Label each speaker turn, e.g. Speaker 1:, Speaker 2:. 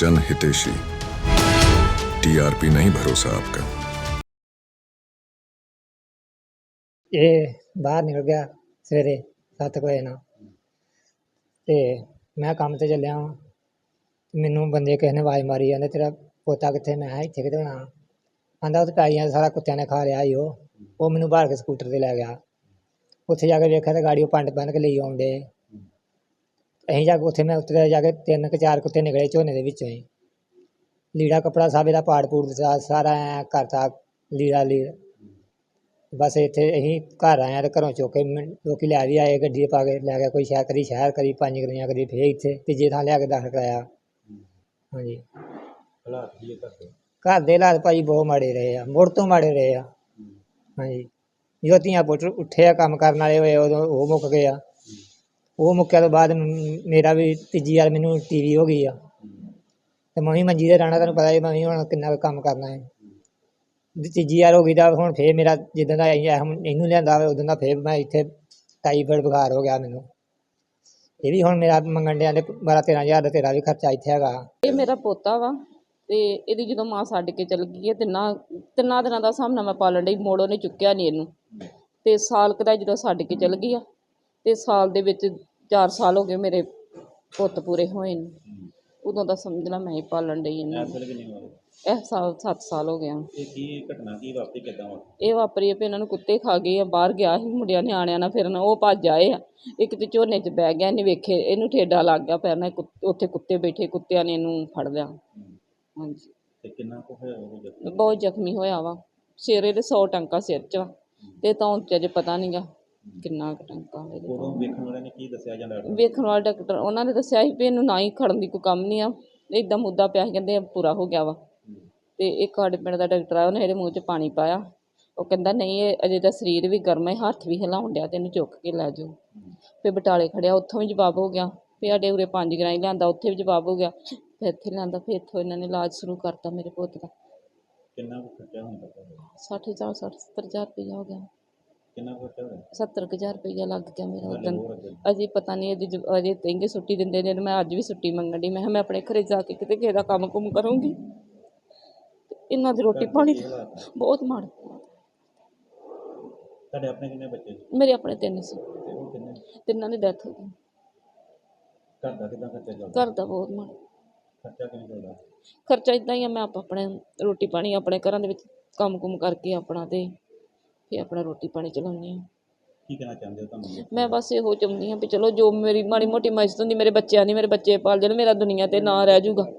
Speaker 1: जन हितेशी। टीआरपी नहीं भरोसा आपका।
Speaker 2: ये बाहर निकल गया सवेरे 7 वजे ना ते मैं काम ते चलिया वां। मैनू बंदे किसी ने आवाज़ मारी आंदे तेरा पोता कित्थे? मैं इत्थे कित्थे होना? आंदा उत्थे पैलियां सारा कुत्तियां ने खा लिया ही वो मैनू बाहर के स्कूटर ते लै गया। उत्थे जाके वेख्या ते गाड़ी पंड बन के लेई आउण डे। असीं जाके उत्थे मैं उत्तरे जाके 3 के 4 कुत्ते निकले झोने दे विचों ही। लीड़ा कपड़ा सब इहदा पाड़ पूड़ दित्ता सारा ऐ करता लीड़ा लीड़। बस इत्थे असीं घर आए ते घरों चुक के लोकी लै भी आए गड्डी पा के लै गए कोई शहर करी 5 गड्डियां करी फिर इत्थे तीजे थां लिया के दाखल कराया। हाँ जी घर दे हालात भाई बहुत माड़े रहे आ, मुड़ तो माड़े रहे आ। हाँ जी जो धियां पुत्तर उट्ठे आ कम्म करन वाले होए उदों ओह मुक्क गए आ। वो मुक्केआ तो बाद मेरा भी तीजी बार मैनू टीवी हो गई आ ते मैं भी मंजी ते रहना तुहानूं पता मैं भी हुण किन्ना कम्म करना है। तीजी बार हो गई तां हुण फिर मेरा जिद्दण दा इहनूं लिआंदा उदों दा फिर मैं इत्थे टाईफाइड बुखार हो गया मैनू। ये भी हुण मेरा मंगण डे आंदे 12-13 हज़ार दा तेरा भी खर्चा इत्थे हैगा।
Speaker 3: ਇਹ ਮੇਰਾ ਪੋਤਾ ਵਾ ਤੇ ਇਹਦੀ ਜਦੋਂ ਮਾਂ ਛੱਡ ਕੇ ਚਲ ਗਈ ਹੈ ਤਿੰਨਾਂ ਦਿਨਾਂ ਦਾ ਹਿਸਾਬ ਨਾਲ ਮੈਂ ਪਾਲਣ ਡਈ ਮੋੜ ਉਹਨੇ ਚੁੱਕਿਆ ਨਹੀਂ ਇਹਨੂੰ ਤੇ ਸਾਲ ਕੁ ਦਾ ਜਦੋਂ ਛੱਡ ਕੇ ਚਲ ਗਈ ਆ ਤੇ ਸਾਲ ਦੇ ਵਿੱਚ 4 ਸਾਲ ਹੋ ਗਏ ਮੇਰੇ ਪੁੱਤ ਪੂਰੇ ਹੋਏ ਨੇ ਉਦੋਂ ਦਾ ਸਮਝ ਲਾ ਮੈਂ ਹੀ ਪਾਲਣ ਡਈ ਇਹਨੂੰ। ਇਹ ਸਾਲ 7 ਸਾਲ ਹੋ ਗਿਆ। ਇਹ ਵਾਪਰੀ ਆ ਵੀ ਇਹਨਾਂ ਨੂੰ ਕੁੱਤੇ ਖਾ ਗਏ ਆ। ਬਾਹਰ ਗਿਆ ਸੀ ਮੁੰਡਿਆਂ ਨਿਆਣਿਆਂ ਨਾਲ ਫਿਰਨ ਉਹ ਭੱਜ ਆਏ ਆ। ਇੱਕ ਤੇ ਝੋਨੇ 'ਚ ਬਹਿ ਗਿਆ ਇਹਨੇ ਵੇਖੇ ਇਹਨੂੰ ਠੇਡਾ ਲੱਗ ਗਿਆ ਪੈਰ ਨਾਲ ਉੱਥੇ ਕੁੱਤੇ ਬੈਠੇ ਕੁੱਤਿਆਂ ਨੇ ਇਹਨੂੰ ਫੜ ਲਿਆ। ਹਾਂਜੀ ਬਹੁਤ ਜ਼ਖਮੀ ਹੋਇਆ ਵਾ ਸਿਰ ਇਹਦੇ 100 ਟੰਕਾ ਸਿਰ 'ਚ ਵਾ ਤੇ ਤਾਂ ਅਜੇ ਪਤਾ ਨਹੀਂ ਗਾ ਕਿੰਨਾ ਕੁ ਟੰਕਾ। ਵੇਖਣ ਵਾਲੇ ਡਾਕਟਰ ਉਹਨਾਂ ਨੇ ਦੱਸਿਆ ਸੀ ਵੀ ਇਹਨੂੰ ਨਾ ਹੀ ਖੜਨ ਦੀ ਕੋਈ ਕੰਮ ਨਹੀਂ ਆ ਇੱਦਾਂ ਮੁੱਦਾ ਪਿਆ ਸੀ ਕਹਿੰਦੇ ਪੂਰਾ ਹੋ ਗਿਆ ਵਾ। ਤੇ ਇੱਕ ਸਾਡੇ ਪਿੰਡ ਦਾ ਡਾਕਟਰ ਆ ਉਹਨੇ ਇਹਦੇ ਮੂੰਹ 'ਚ ਪਾਣੀ ਪਾਇਆ ਉਹ ਕਹਿੰਦਾ ਨਹੀਂ ਇਹ ਅਜੇ ਤਾਂ ਸਰੀਰ ਵੀ ਗਰਮ ਹੈ ਹੱਥ ਵੀ ਹਿਲਾਉਣ ਡਿਆ ਤੇ ਇਹਨੂੰ ਚੁੱਕ ਕੇ ਲੈ ਜਾਓ। ਫਿਰ ਬਟਾਲੇ ਖੜਿਆ ਉੱਥੋਂ ਵੀ ਜਵਾਬ ਹੋ ਗਿਆ। ਫਿਰ ਸਾਡੇ ਉਰੇ 5 ਗਰਾਈ ਲਿਆਂਦਾ ਉੱਥੇ ਵੀ ਜਵਾਬ ਹੋ ਗਿਆ। ਫਿਰ ਇੱਥੇ ਲਿਆਂਦਾ ਫਿਰ ਇੱਥੋਂ ਇਹਨਾਂ ਨੇ ਇਲਾਜ ਸ਼ੁਰੂ ਕਰਤਾ ਮੇਰੇ ਪੁੱਤ ਦਾ। 60,000 ਰੁਪਈਆ ਹੋ ਗਿਆ। 70,000 ਰੁਪਈਆ ਲੱਗ ਗਿਆ ਮੇਰਾ ਉਦੋਂ। ਅਜੇ ਪਤਾ ਨਹੀਂ ਇਹਦੀ ਅਜੇ ਕਹਿੰਗੇ ਛੁੱਟੀ ਦਿੰਦੇ ਨੇ। ਮੈਂ ਅੱਜ ਵੀ ਛੁੱਟੀ ਮੰਗਣ ਡਈ। ਮੈਂ ਕਿਹਾ ਮੈਂ ਆਪਣੇ ਘਰੇ ਜਾ ਕੇ ਕਿਤੇ ਕਿਸੇ ਦਾ ਕੰਮ ਕੁੰਮ ਕਰੂੰਗੀ। ਇਹਨਾਂ ਦੀ ਰੋਟੀ ਪਾਣੀ ਬਹੁਤ ਮਾੜਾ। ਮੇਰੇ ਆਪਣੇ 3 ਸੀ ਤਿੰਨਾਂ ਦੀ ਡੈਥ ਹੋ ਗਈ। ਘਰ ਦਾ ਬਹੁਤ ਮਾੜਾ ਖਰਚਾ ਇੱਦਾਂ ਹੀ ਆ। ਮੈਂ ਆਪਣੇ ਰੋਟੀ ਪਾਣੀ ਆਪਣੇ ਘਰਾਂ ਦੇ ਵਿੱਚ ਕੰਮ ਕੁੰਮ ਕਰਕੇ ਆਪਣਾ ਤੇ ਫਿਰ ਆਪਣਾ ਰੋਟੀ ਪਾਣੀ ਚਲਾਉਂਦੀ ਹਾਂ। ਮੈਂ ਬਸ ਇਹੋ ਚਾਹੁੰਦੀ ਹਾਂ ਵੀ ਚਲੋ ਜੋ ਮੇਰੀ ਮਾੜੀ ਮੋਟੀ ਮਦਦ ਹੁੰਦੀ ਮੇਰੇ ਬੱਚਿਆਂ ਦੀ ਮੇਰੇ ਬੱਚੇ ਪਾਲ ਜਾਣ ਮੇਰਾ ਦੁਨੀਆ 'ਤੇ ਨਾਂ ਰਹਿ ਜਾਊਗਾ।